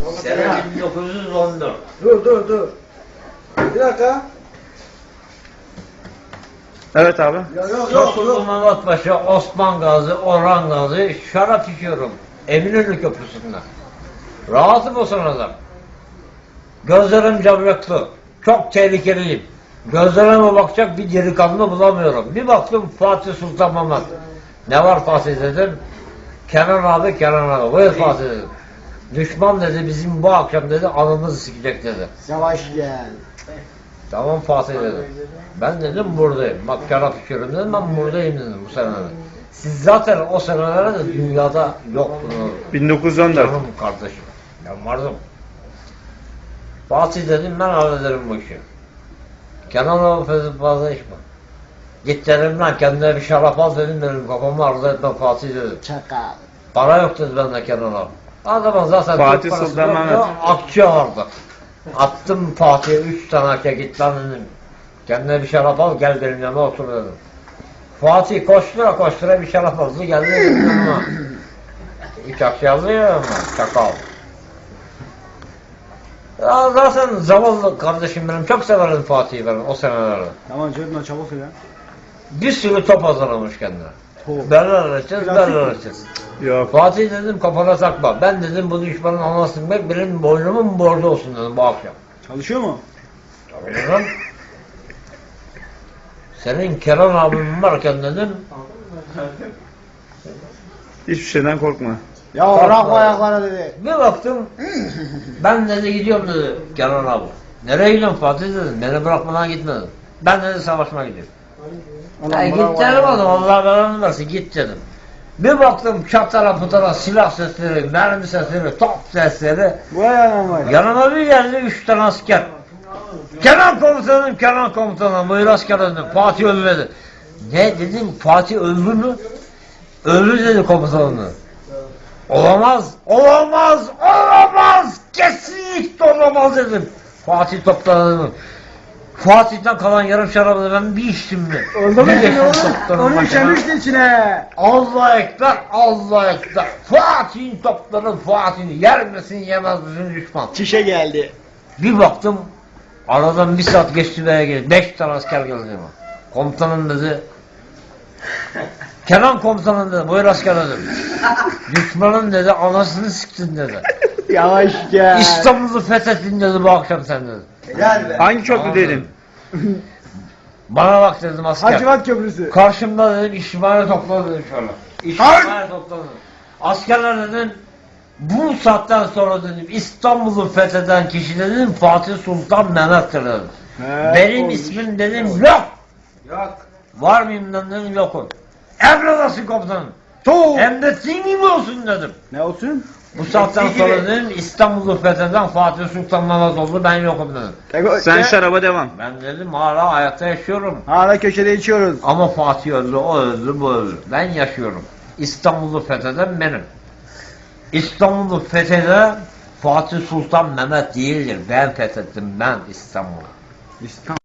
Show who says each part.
Speaker 1: Sene 1914.
Speaker 2: Dur. Bir dakika.
Speaker 3: Evet abi.
Speaker 2: Yok.
Speaker 1: Tosunlu Mehmet Paşa, Osman Gazi, Orhan Gazi şarap içiyorum. Eminönü Köprüsü'nde. Rahatım o sırada. Gözlerim camyaklı. Çok tehlikeliyim. Gözlerime bakacak bir delikanlı bulamıyorum. Bir baktım Fatih Sultan Mehmet. Ne var Fatih dedim. Kenan abi. Buyur Fatih dedim. Düşman dedi bizim bu akşam dedi anımızı sikecek dedi.
Speaker 2: Yavaş gel.
Speaker 1: Tamam Fatih dedim. Ben dedim buradayım. Bak şarap içiyorum dedim, ben buradayım dedim bu senelerde. Siz zaten o senelerde dünyada yoktunuz.
Speaker 3: 1914.
Speaker 1: Canım kardeşim. Ben vardım. Fatih dedim, ben hallederim bu işi. Kenan abi fazla içme. Git dedim lan kendine bir şarap al dedim, benim kafamı arzu etme Fatih dedim.
Speaker 2: Çakal.
Speaker 1: Para yok dedi bende Kenan abi. Adamın zaten
Speaker 3: Fatih
Speaker 1: çok parası
Speaker 3: Sultan
Speaker 1: yok
Speaker 3: Mehmet.
Speaker 1: ya, akçe vardı. Attım Fatih'e 3 tane akçe, git lan dedim. Kendine bir şarap al gel benim yanıma otur dedim. Fatih koştura bir şarap aldı geldi benim yanıma. 3 akçe aldı ya ama çakal. Ya zaten zavallı kardeşim benim, çok severim Fatih'i ben o senelerde.
Speaker 2: Tamam Cedna çabuk ya.
Speaker 1: Bir sürü top hazırlamış kendine.
Speaker 2: Top.
Speaker 1: Berler açacağız.
Speaker 3: Yok.
Speaker 1: Fatih dedim kafana takma. Ben dedim bu düşmanın anasını bek benim boynumun borcu olsun dedim bu akşam.
Speaker 2: Çalışıyor mu?
Speaker 1: Tabii dedim. Senin Kenan abim varken dedim.
Speaker 3: Hiçbir şeyden korkma.
Speaker 2: Ya bırakma ayaklara dedi.
Speaker 1: Bir baktım. Ben dedi gidiyorum dedi Kenan abi. Nereye gidiyorsun Fatih dedim. Beni bırakmadan gitme dedim. Ben dedi savaşmaya gidiyorum. Git dedim oğlum, Allah belanı versin git dedim. Bir baktım çatara putara silah sesleri, mermi sesleri, top sesleri.
Speaker 2: Bu ayağına var.
Speaker 1: Yanıma bir geldi 3 tane asker. Kenan komutanım, buyur asker dedim. Fatih öldü dedi. Ne dedim, Fatih öldü mü? Öldü dedi komutanım. Olamaz, kesinlikle olamaz dedim. Fatih topladı. Fatih'ten kalan yarım şarabı ben bir içtim mi?
Speaker 2: Orada mı onu işemişti içine.
Speaker 1: Allah ekber. Fatih'in topları Fatih'in yer misin yemez misin düşman.
Speaker 2: Çişe geldi.
Speaker 1: Bir baktım aradan bir saat geçti veya geldi. 5 tane asker geldi ama. Komutanım dedi. Kenan komutanım dedi. Buyur asker dedim. Düşmanın dedi anasını siktin dedi.
Speaker 2: Yavaş gel.
Speaker 1: İstanbul'u fethettin dedi bu akşam sen dedi.
Speaker 2: Gel be.
Speaker 3: Hangi köprü dedim?
Speaker 1: Bana bak dedim asker.
Speaker 2: Hacivat Köprüsü.
Speaker 1: Karşımda dedim işimhane topladı dedim şöyle. İşimhane topladı. Askerler dedim bu saatten sonra dedim İstanbul'u fetheden kişi dedim Fatih Sultan Mehmet'tir dedim. Benim ismim dedim yok. Var mıyım dedim yokum. Emredasın komutanım. Hem de senin gibi olsun dedim.
Speaker 2: Ne olsun?
Speaker 1: Bu saatten sonra dedim İstanbul'u fetheden Fatih Sultan Mehmet oldu, ben yokum dedim.
Speaker 3: Sen şaraba devam.
Speaker 1: Ben dedim hala hayatta yaşıyorum.
Speaker 2: Hala köşede içiyoruz.
Speaker 1: Ama Fatih öldü, o öldü, bu öldü. Ben yaşıyorum. İstanbul'u fetheden benim. İstanbul'u fetheden Fatih Sultan Mehmet değildir. Ben fethettim, ben İstanbul'u.
Speaker 2: İstanbul.